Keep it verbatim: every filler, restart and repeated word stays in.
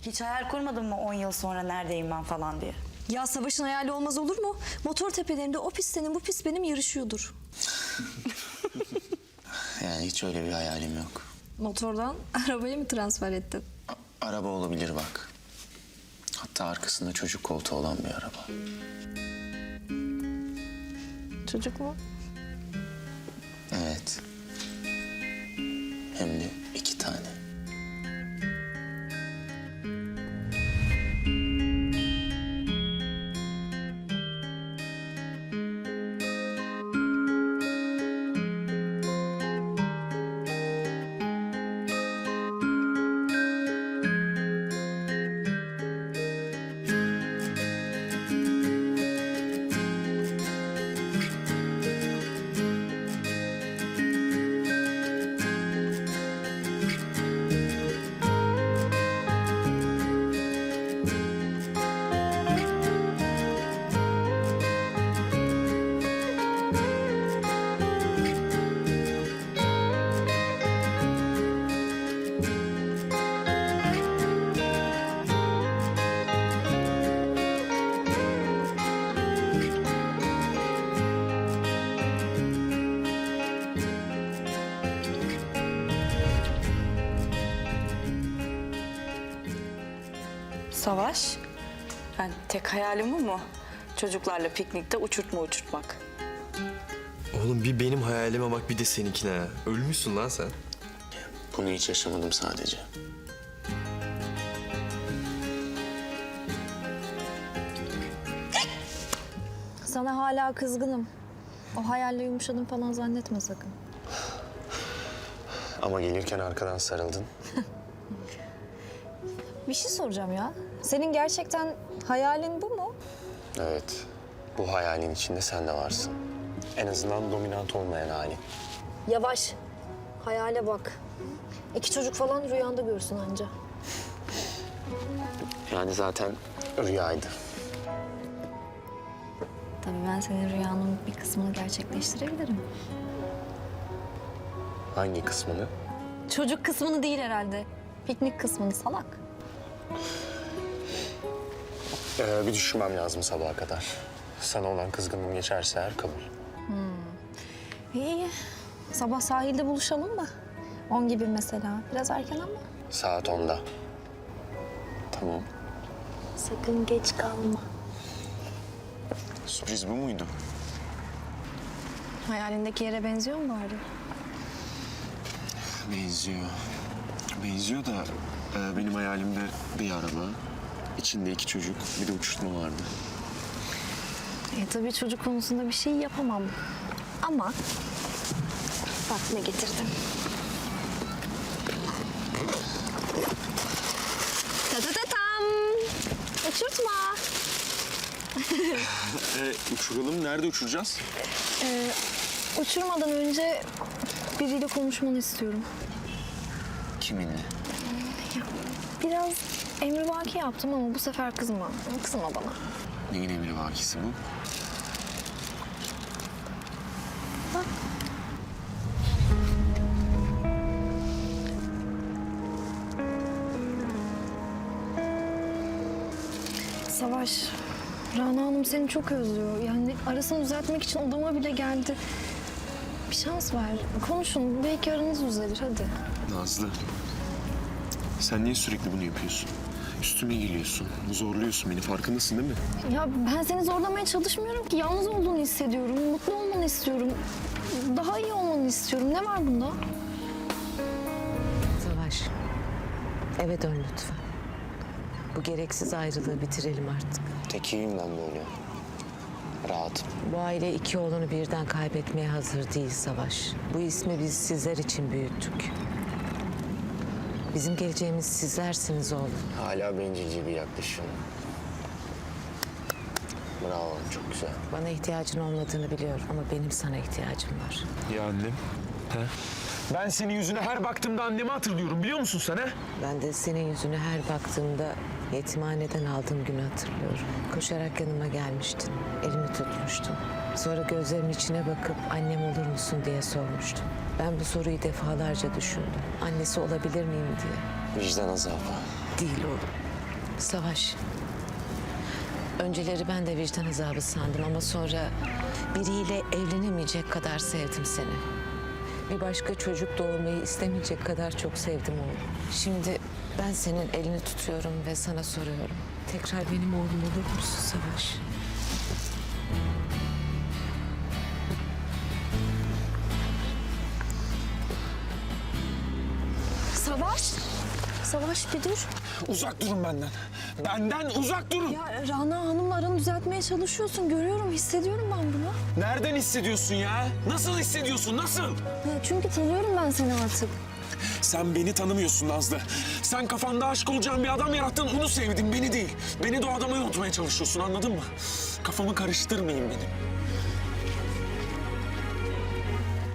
Hiç hayal kurmadın mı on yıl sonra neredeyim ben falan diye? Ya Savaş'ın hayali olmaz olur mu? Motor tepelerinde o pist senin bu pist benim yarışıyordur. Yani hiç öyle bir hayalim yok. Motordan arabaya mı transfer ettin? A- araba olabilir bak. Hatta arkasında çocuk koltuğu olan bir araba. Çocuk mu? Evet. Hem de iki tane. Savaş, yani tek hayalim bu mu? Çocuklarla piknikte uçurtma uçurtmak. Oğlum bir benim hayalime bak bir de seninkine ha. Ölmüşsün lan sen. Bunu hiç yaşamadım sadece. Sana hala kızgınım. O hayalle yumuşadım falan zannetme sakın. Ama gelirken arkadan sarıldın. Bir şey soracağım ya. Senin gerçekten hayalin bu mu? Evet. Bu hayalin içinde sen de varsın. En azından dominant olmayan halin. Yavaş. Hayale bak. İki çocuk falan rüyanda görsün anca. Yani zaten rüyaydı. Tabii ben senin rüyanın bir kısmını gerçekleştirebilirim. Hangi kısmını? Çocuk kısmını değil herhalde. Piknik kısmını salak. Ee, bir düşünmem lazım sabaha kadar. Sana olan kızgınlığım geçerse eğer kabul. İyi. Sabah sahilde buluşalım mı? On gibi mesela. Biraz erken ama. Saat onda. Tamam. Sakın geç kalma. Sürpriz bu muydu? Hayalindeki yere benziyor mu bari? Benziyor. Benziyor da e, benim hayalimde bir araba, içinde iki çocuk, bir de uçurtma vardı. E tabii çocuk konusunda bir şey yapamam. Ama bak ne getirdim. Ta ta ta tam. Uçurtma. E, uçuralım. Nerede uçuracağız? Ee, uçurmadan önce biriyle konuşmanı istiyorum. Kiminle? Biraz emrivaki yaptım ama bu sefer kızma. Kızma bana. Neyin emri vakisi bu? Bak. Savaş, Rana Hanım seni çok özlüyor. Yani arasını düzeltmek için odama bile geldi. Bir şans ver. Konuşun. Belki aranız düzelir. Hadi. Nazlı. Sen niye sürekli bunu yapıyorsun? Üstüme geliyorsun, zorluyorsun beni. Farkındasın değil mi? Ya ben seni zorlamaya çalışmıyorum ki. Yalnız olduğunu hissediyorum. Mutlu olmanı istiyorum. Daha iyi olmanı istiyorum. Ne var bunda? Savaş, eve dön lütfen. Bu gereksiz ayrılığı bitirelim artık. Tek evimden böyle. Rahatım. Bu aile iki oğlunu birden kaybetmeye hazır değil Savaş. Bu ismi biz sizler için büyüttük. Bizim geleceğimiz sizlersiniz oğlum. Hala bencilce bir yaklaşım. Bravo, çok güzel. Bana ihtiyacın olmadığını biliyorum ama benim sana ihtiyacım var. Ya annem? He? Ben senin yüzüne her baktığımda annemi hatırlıyorum biliyor musun sen he? Ben de senin yüzüne her baktığımda yetimhaneden aldığım günü hatırlıyorum. Koşarak yanıma gelmiştin, elimi tutmuştun. Sonra gözlerimin içine bakıp annem olur musun diye sormuştun. Ben bu soruyu defalarca düşündüm. Annesi olabilir miyim diye. Vicdan azabı. Değil oğlum. Savaş. Önceleri ben de vicdan azabı sandım ama sonra biriyle evlenemeyecek kadar sevdim seni. Bir başka çocuk doğurmayı istemeyecek kadar çok sevdim oğlum. Şimdi ben senin elini tutuyorum ve sana soruyorum. Tekrar benim oğlum olur musun Savaş? Savaş! Savaş bir dur. Uzak durun benden. Benden uzak durun. Ya Rana Hanım'la aranı düzeltmeye çalışıyorsun. Görüyorum, hissediyorum ben bunu. Nereden hissediyorsun ya? Nasıl hissediyorsun? Nasıl? Ya çünkü tanıyorum ben seni artık. Sen beni tanımıyorsun Nazlı. Sen kafanda aşık olacağın bir adam yarattın, onu sevdin, beni değil. Beni de o adamı unutmaya çalışıyorsun, anladın mı? Kafamı karıştırmayın benim.